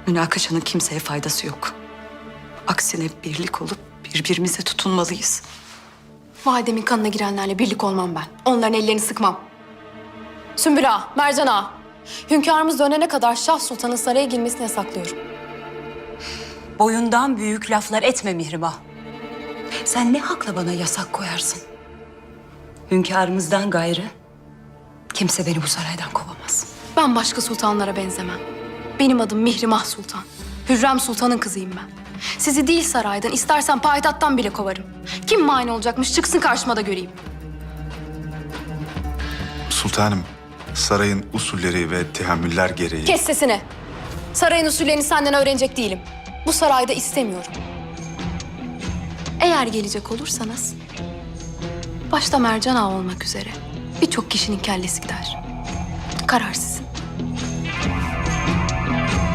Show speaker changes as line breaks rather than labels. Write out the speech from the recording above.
Münakaşanın kimseye faydası yok. Aksine birlik olup birbirimize tutunmalıyız.
Validemin kanına girenlerle birlik olmam ben. Onların ellerini sıkmam. Sümbül Ağa, Mercan Ağa. Hünkârımız dönene kadar Şah Sultan'ın saraya girmesini yasaklıyorum.
Boyundan büyük laflar etme Mihrimah. Sen ne hakla bana yasak koyarsın? Hünkârımızdan gayrı kimse beni bu saraydan kovamaz.
Ben başka sultanlara benzemem. Benim adım Mihrimah Sultan. Hürrem Sultan'ın kızıyım ben. Sizi değil saraydan, istersen payitahttan bile kovarım. Kim mani olacakmış çıksın karşıma da göreyim.
Sultanım, sarayın usulleri ve tehammüller gereği...
Kes sesini. Sarayın usullerini senden öğrenecek değilim. Bu sarayda istemiyorum. Eğer gelecek olursanız, başta Mercan Ağa olmak üzere birçok kişinin kellesi gider. Karar sizin.